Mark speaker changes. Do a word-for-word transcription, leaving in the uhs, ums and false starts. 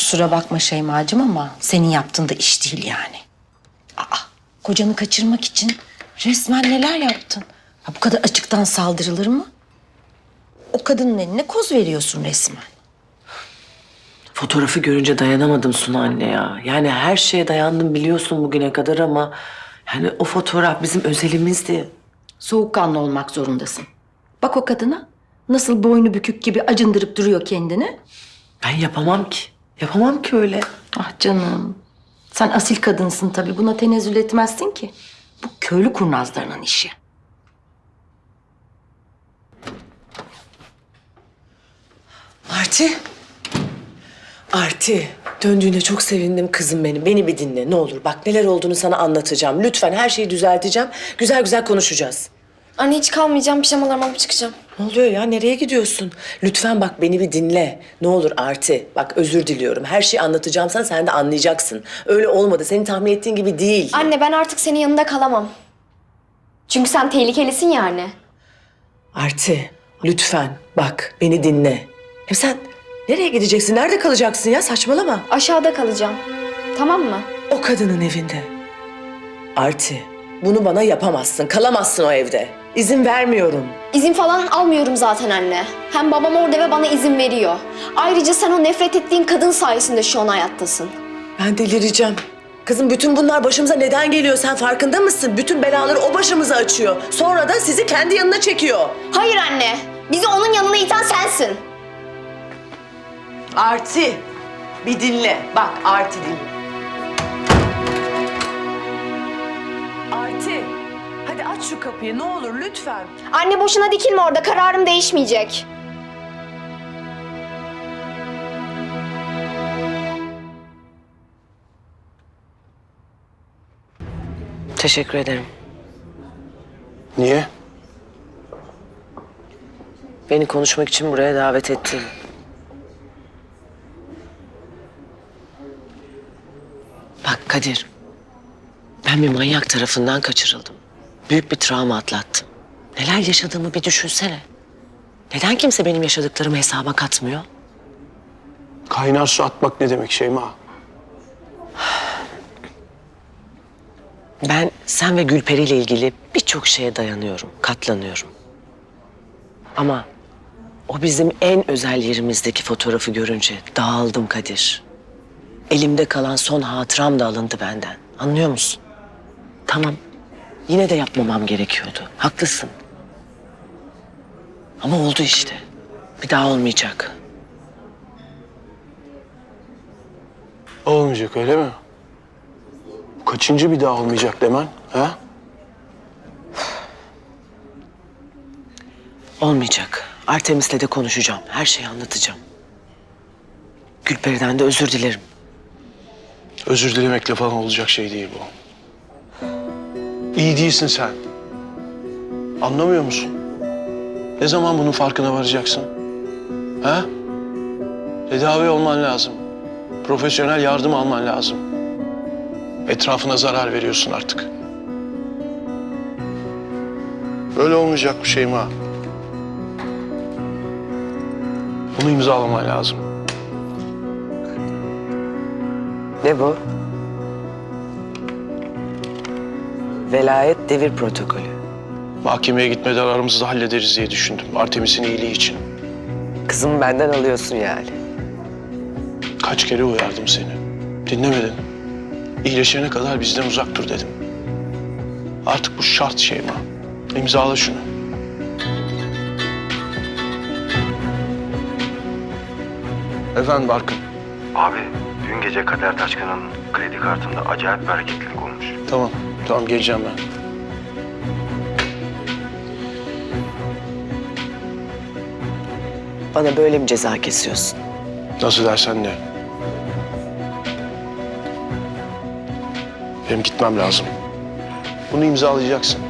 Speaker 1: Kusura bakma Şeymacığım ama senin yaptığın da iş değil yani. Aa, kocanı kaçırmak için resmen neler yaptın? Ha, bu kadar açıktan saldırılır mı? O kadının eline koz veriyorsun resmen.
Speaker 2: Fotoğrafı görünce dayanamadım Suna anne ya. Yani her şeye dayandım biliyorsun bugüne kadar ama... yani o fotoğraf bizim özelimizdi.
Speaker 1: Soğukkanlı olmak zorundasın. Bak o kadına nasıl boynu bükük gibi acındırıp duruyor kendini.
Speaker 2: Ben yapamam ki. Yapamam ki öyle.
Speaker 1: Ah canım. Sen asil kadınsın tabii. Buna tenezzül etmezsin ki. Bu köylü kurnazlarının işi.
Speaker 2: Arti. Arti. Döndüğüne çok sevindim kızım benim. Beni bir dinle ne olur. Bak neler olduğunu sana anlatacağım. Lütfen her şeyi düzelteceğim. Güzel güzel konuşacağız.
Speaker 3: Anne hiç kalmayacağım, pijamalarımı alıp çıkacağım.
Speaker 2: Ne oluyor ya? Nereye gidiyorsun? Lütfen bak beni bir dinle. Ne olur Arti. Bak özür diliyorum. Her şeyi anlatacağım sana, sen de anlayacaksın. Öyle olmadı. Senin tahmin ettiğin gibi değil.
Speaker 3: Anne ben artık senin yanında kalamam. Çünkü sen tehlikelisin ya anne.
Speaker 2: Arti, lütfen bak beni dinle. Hem sen nereye gideceksin? Nerede kalacaksın ya? Saçmalama.
Speaker 3: Aşağıda kalacağım. Tamam mı?
Speaker 2: O kadının evinde. Arti, bunu bana yapamazsın. Kalamazsın o evde. İzin vermiyorum.
Speaker 3: İzin falan almıyorum zaten anne. Hem babam orada ve bana izin veriyor. Ayrıca sen o nefret ettiğin kadın sayesinde şu an hayattasın.
Speaker 2: Ben delireceğim. Kızım bütün bunlar başımıza neden geliyor? Sen farkında mısın? Bütün belaları o başımıza açıyor. Sonra da sizi kendi yanına çekiyor.
Speaker 3: Hayır anne. Bizi onun yanına iten sensin.
Speaker 2: Arti, bir dinle. Bak Arti dinle. Arti, hadi aç şu kapıyı ne olur lütfen.
Speaker 3: Anne boşuna dikilme orada. Kararım değişmeyecek.
Speaker 2: Teşekkür ederim.
Speaker 4: Niye?
Speaker 2: Beni konuşmak için buraya davet ettin. Bak Kadir, ben bir manyak tarafından kaçırıldım. Büyük bir travma atlattım. Neler yaşadığımı bir düşünsene. Neden kimse benim yaşadıklarımı hesaba katmıyor?
Speaker 4: Kaynar su atmak ne demek Şeyma?
Speaker 2: Ben sen ve Gülperi ile ilgili birçok şeye dayanıyorum, katlanıyorum. Ama o bizim en özel yerimizdeki fotoğrafı görünce dağıldım Kadir. Elimde kalan son hatıram da alındı benden. Anlıyor musun? Tamam, yine de yapmamam gerekiyordu. Haklısın. Ama oldu işte. Bir daha olmayacak.
Speaker 4: Olmayacak öyle mi? Kaçıncı bir daha olmayacak demen? Ha?
Speaker 2: Olmayacak. Artemis'le de konuşacağım. Her şeyi anlatacağım. Gülperi'den de özür dilerim.
Speaker 4: Özür dilemekle falan olacak şey değil bu. İyi değilsin sen. Anlamıyor musun? Ne zaman bunun farkına varacaksın? Ha? Tedavi olman lazım. Profesyonel yardım alman lazım. Etrafına zarar veriyorsun artık. Böyle olmayacak bu Şeyma. Bunu imzalaman lazım.
Speaker 2: Ne bu? Velayet devir protokolü.
Speaker 4: Mahkemeye gitmeden aramızda hallederiz diye düşündüm. Artemis'in iyiliği için.
Speaker 2: Kızımı benden alıyorsun yani.
Speaker 4: Kaç kere uyardım seni. Dinlemedin. İyileşene kadar bizden uzak dur dedim. Artık bu şart Şeyma. İmzala şunu. Efendim Barkın.
Speaker 5: Abi dün gece Kader Taşkın'ın kredi kartında acayip bir hareketlilik olmuş.
Speaker 4: Tamam, tamam geleceğim ben.
Speaker 2: Bana böyle mi ceza kesiyorsun?
Speaker 4: Nasıl dersen de. Benim gitmem lazım. Bunu imzalayacaksın.